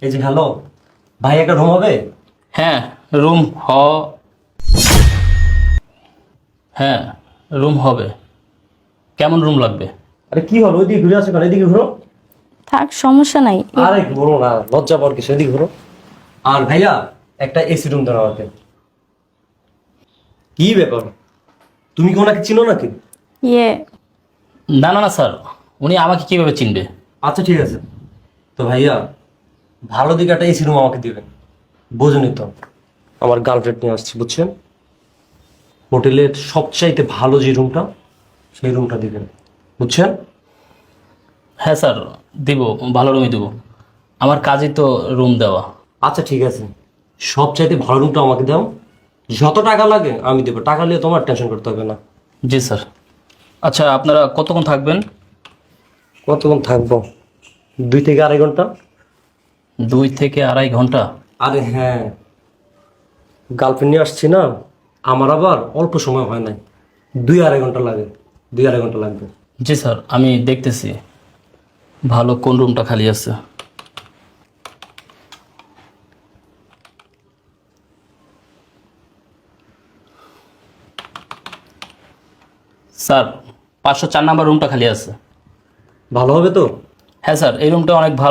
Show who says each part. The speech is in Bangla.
Speaker 1: এই যে হ্যালো, ভাই একটা রুম হবে?
Speaker 2: হ্যাঁ রুম হ্যাঁ রুম হবে। কেমন রুম লাগবে?
Speaker 1: আরে কি হলো, ওইদিকে ঘুরে আসো কেন? এদিকে ঘুরো।
Speaker 3: থাক, সমস্যা নাই।
Speaker 1: আরে ঘুরো না, লজ্জা পাওয়ার কিছু, এদিকে ঘুরো। আর ভাইয়া একটা এসি রুম দেন আমাকে। কি ব্যাপার, তুমি কি ওনাকে চিনো নাকি?
Speaker 3: ইয়ে,
Speaker 2: না না না স্যার, উনি আমাকে কিভাবে চিনবে?
Speaker 1: আচ্ছা ঠিক আছে, তো ভাইয়া ভালো দিকে একটা এসি রুম আমাকে দিবেন। বোঝেনি তো, আমার গার্লফ্রেন্ড নিয়ে আসছি বুঝছেন। হোটেলের সবচাইতে ভালো যে রুমটা, সেই রুমটা দিবেন, বুঝছেন।
Speaker 2: হ্যাঁ স্যার, দিব, ভালো রুমই দেবো। আমার কাজই তো রুম দেওয়া।
Speaker 1: আচ্ছা ঠিক আছে, সবচাইতে ভালো রুমটা আমাকে দাও। যত টাকা লাগে আমি দেবো, টাকা নিয়ে তোমার টেনশন করতে হবে না।
Speaker 2: জি স্যার। আচ্ছা আপনারা কতক্ষণ থাকবেন?
Speaker 1: কতক্ষণ থাকবো? 2 থেকে আড়াই ঘন্টা।
Speaker 2: 2 থেকে আড়াই ঘন্টা?
Speaker 1: আরে হ্যাঁ, গার্লফ্রেন্ড নিয়ে আসছি না, আমার আবার অল্প সময় হয় নাই, 2-2.5 ঘন্টা লাগে, 2-2.5 ঘন্টা লাগবে।
Speaker 2: জি স্যার, আমি দেখতেছি ভালো কোন রুমটা খালি আছে। স্যার, 504 নাম্বার রুমটা খালি আছে।
Speaker 1: ভালো হবে তো?
Speaker 2: হ্যাঁ স্যার, এই রুমটা অনেক ভালো।